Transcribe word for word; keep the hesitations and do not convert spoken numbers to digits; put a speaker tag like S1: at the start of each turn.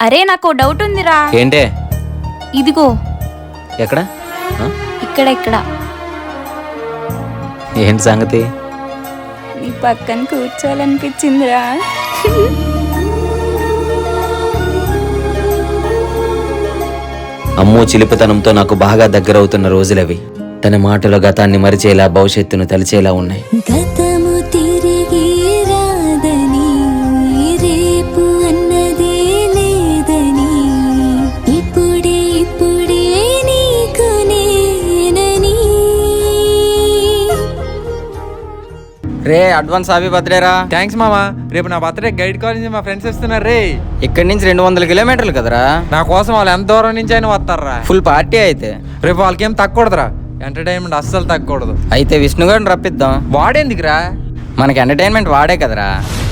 S1: అరే నాకు డౌట్ ఉందిరా.
S2: ఏంటే?
S1: ఇదిగో
S2: ఎక్కడ?
S1: ఇక్కడ ఇక్కడ
S2: ఏంటి సంగతి?
S1: నీ పక్కన కూర్చోవాలనిపించిందిరా.
S2: అమ్మో చిలిపితనంతో నాకు బాగా దగ్గరవుతున్న రోజులవి. తన మాటలో గతాన్ని మరిచేలా భవిష్యత్తును తలిచేలా ఉన్నాయి.
S3: గతము తిరిగి రాదని, రేపు అన్నది లేదని, ఇప్పుడే ఇప్పుడే నీకు నేనని.
S4: రే అడ్వాన్స్ హ్యాపీ బర్త్డే రా.
S5: థ్యాంక్స్ మామా. రేపు నా బర్త్డే గైడ్ కాలేజ్ నుంచి మా ఫ్రెండ్స్ వస్తున్నారు రే.
S4: ఇక్కడి నుంచి రెండు వందల కిలోమీటర్లు కదరా.
S5: నా కోసం వాళ్ళు ఎంత దూరం నుంచి అయినా వస్తారా.
S4: ఫుల్ పార్టీ అయితే
S5: రేపు వాళ్ళకి ఏం తగ్గకూడదురా. ఎంటర్టైన్మెంట్ అస్సలు తగ్గకూడదు.
S4: అయితే విష్ణు గారిని రప్పిద్దాం.
S5: వాడేందుకురా?
S4: మనకి ఎంటర్టైన్మెంట్ వాడే కదరా.